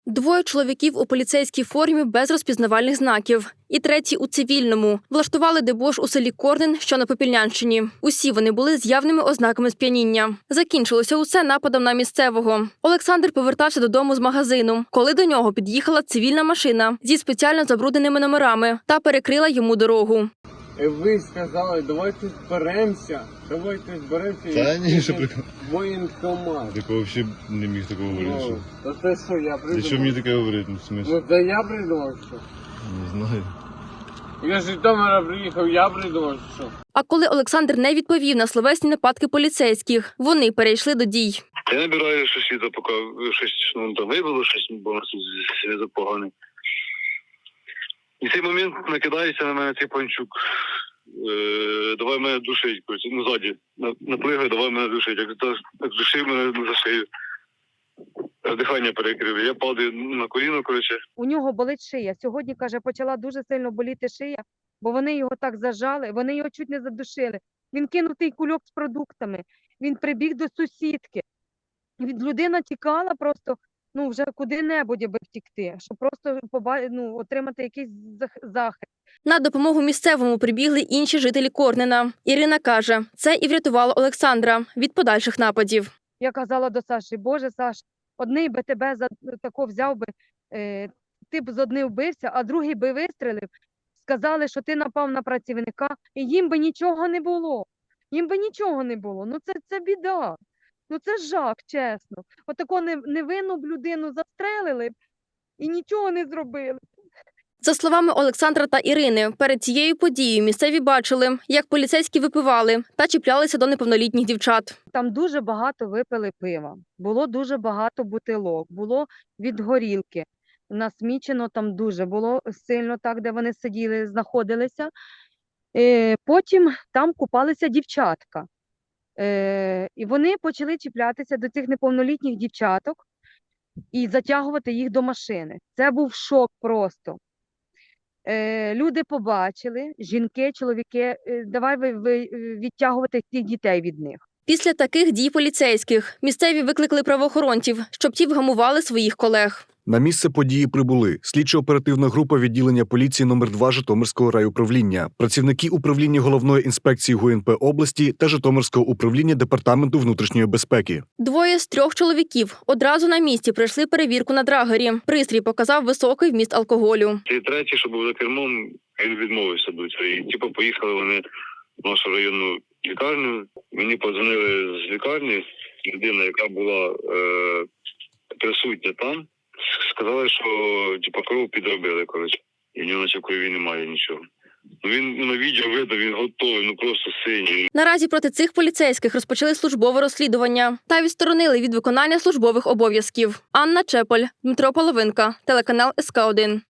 Двоє чоловіків у поліцейській формі без розпізнавальних знаків. І третій у цивільному. Влаштували дебош у селі Корнин, що на Попільнянщині. Усі вони були з явними ознаками сп'яніння. Закінчилося усе нападом на місцевого. Олександр повертався додому з магазину, коли до нього під'їхала цивільна машина зі спеціально забрудненими номерами та перекрила йому дорогу. Ви сказали, давайте зберемося. Та ні, що прикол. Воєнкомат. Такого взагалі не міг такого говорити. Та це що, я придумав? Що мені таке говорити? Ну, в смислі? Ну це я придумав, що? Не знаю. Я з Житомира приїхав, я придумав, що? А коли Олександр не відповів на словесні нападки поліцейських, вони перейшли до дій. Я набираю сусіда, поки щось там вибило, щось, бо у нас тут зв'язок поганий. І в цей момент накидається на мене цей панчук. Давай мене душить, ззаді. Наплигає, давай мене душить. Як душив мене за шию. Дихання перекрив. Я падаю на коліно, У нього болить шия. Сьогодні, каже, почала дуже сильно боліти шия, бо вони його так зажали, вони його чуть не задушили. Він кинув той кульок з продуктами, він прибіг до сусідки. Людина тікала просто, вже куди-небудь, аби втікти, щоб просто отримати якийсь захист. На допомогу місцевому прибігли інші жителі Корнина. Ірина каже, це і врятувало Олександра від подальших нападів. Я казала до Саші: Боже, Саш, одний би тебе за тако взяв би, ти б з одним вбився, а другий би вистрелив. Сказали, що ти напав на працівника, і їм би нічого не було. Їм би нічого не було. Це біда. Це жах, чесно. Отако невинну б людину застрелили б і нічого не зробили. За словами Олександра та Ірини, перед цією подією місцеві бачили, як поліцейські випивали та чіплялися до неповнолітніх дівчат. Там дуже багато випили пива, було дуже багато бутилок, було від горілки. Насмічено там дуже було сильно так, де вони сиділи, знаходилися. Потім там купалися дівчатка. І вони почали чіплятися до цих неповнолітніх дівчаток і затягувати їх до машини. Це був шок просто. Люди побачили, жінки, чоловіки, давай відтягувати цих дітей від них. Після таких дій поліцейських місцеві викликали правоохоронців, щоб ті вгамували своїх колег. На місце події прибули слідчо-оперативна група відділення поліції номер 2 Житомирського райуправління, працівники управління Головної інспекції ГУНП області та Житомирського управління Департаменту внутрішньої безпеки. Двоє з 3 чоловіків одразу на місці пройшли перевірку на драгері. Пристрій показав високий вміст алкоголю. І третій, що був за кермом, він відмовився бути. І поїхали вони в нашу районну лікарню. Мені подзвонили з лікарні, людина, яка була присутня там. Сказали, що кров підробили, і в нього наче в крові немає нічого. Він на відео видав, він готовий, просто синій. Наразі проти цих поліцейських розпочали службове розслідування та відсторонили від виконання службових обов'язків. Анна Чеполь, Дмитро Половинка, телеканал СК1.